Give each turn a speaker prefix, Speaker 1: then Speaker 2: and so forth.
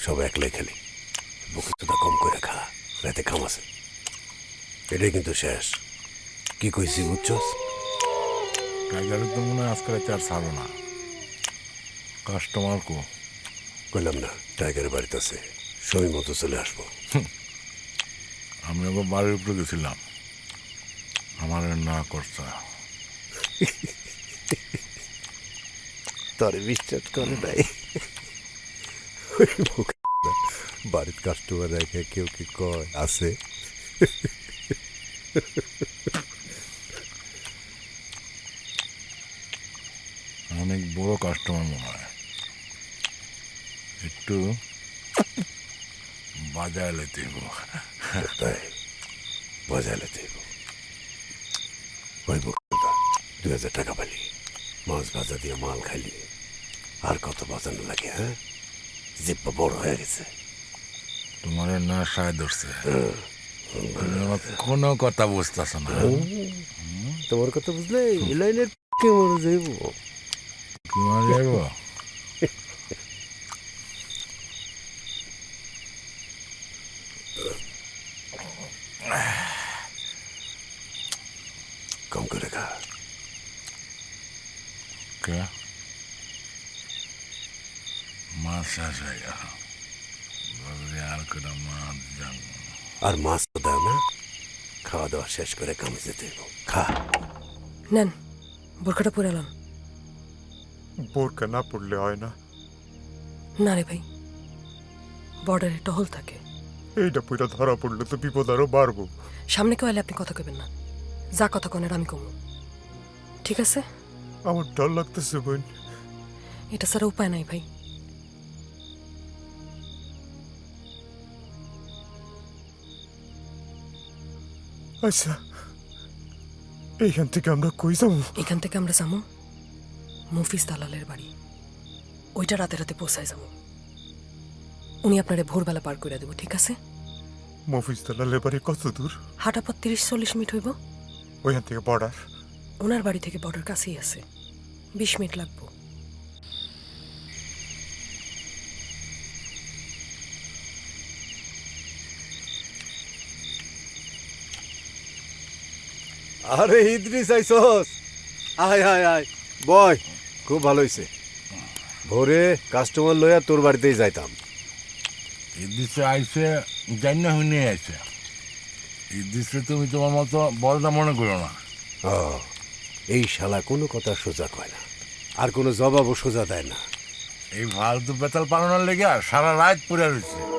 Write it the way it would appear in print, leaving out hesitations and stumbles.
Speaker 1: সব একলাই খেলি। বুকে তোটা কম করে খা, রাতে কাম আছে। এটাই কিন্তু শেষ। কি কইছি বুঝছস?
Speaker 2: টাইগারের তো মনে হয় আজকে রাতে আর ছাড়ো না। কাস্টমার কো?
Speaker 1: কইলাম না টাইগারের বাড়িতে আছে, সময় মতো চলে আসবো।
Speaker 2: আমি ওকে বাড়ির উপরে গেছিলাম, আমার না করছে।
Speaker 1: তোরে বিশ্বাস করে নাই। বাড়ির কাস্টমার রেখে কেউ কি কয় আছে?
Speaker 2: অনেক বড় কাস্টমার মনে হয়, একটু বাজায় লেতে
Speaker 1: তাই বাজাইলে দেব। ওই 2000 টাকা পালি, মাছ ভাজা দিয়ে মাল খাইলি, আর কত বাজানো লাগে? হ্যাঁ, জিব্বা বড় হয়ে গেছে।
Speaker 2: তোমার না সায় ধরছে, তুমি আমার কোনো কথা বুঝতেছ না।
Speaker 1: তোমার কথা বুঝলে এই লাইনের মরে যাইব।
Speaker 2: তোমার যাইব
Speaker 1: কম করে খা।
Speaker 2: কে? মাছ শেষ হয়ে গেল, আর কোনো মাছ যাবো।
Speaker 1: আর মাছ তো দাও না, খাওয়া দাওয়া শেষ করে কামে যেতে হইব। খা।
Speaker 3: নেন, বোরখাটা পরে এলাম।
Speaker 4: বোরকা না পড়লে হয় না?
Speaker 3: না রে ভাই, বর্ডারে টহল থাকে।
Speaker 4: এইটা পুরা ধরা পড়লে তো বিপদ আরো বাড়বো।
Speaker 3: সামনে কেউ এলে আপনি কথা কবেন না, যা কথা কনের আমি কমু। ঠিক আছে?
Speaker 4: আমার ডর লাগতেছে বোন।
Speaker 3: এটা ছাড়া উপায় নাই ভাই।
Speaker 4: আচ্ছা, এইখান থেকে আমরা কই যাবো?
Speaker 3: এখান থেকে আমরা যাবো মফিজ দালালের বাড়ি। ওইটা রাতে রাতে পৌঁছায় যাবো। উনি আপনারে ভোরবেলা পার করে দেবো, ঠিক আছে?
Speaker 4: মফিজ দালালের বাড়ি কত দূর?
Speaker 3: হাঁটা পথ 30-40 মিনিট হইব।
Speaker 4: ওইখান থেকে বর্ডার?
Speaker 3: ওনার বাড়ি থেকে বর্ডার কাছেই আছে, 20 মিনিট লাগবো।
Speaker 1: আরে ইদ্রিস আইসস, আয় আয় আয়, বয়। খুব ভালো হয়েছে। ভোরে কাস্টমার লইয়া তোর বাড়িতেই যাইতাম।
Speaker 2: ইদিসে আইসে জানি না হুইনে আইসে। ইদিসে তুমি তোমার মতো বলটা মনে করো না।
Speaker 1: এই শালা কোনো কথা সোজা কয় না, আর কোনো জবাবও সোজা দেয় না।
Speaker 2: এই ফালতু বেতাল পালানোর লেগে সারা রাত পড়ে রয়েছে।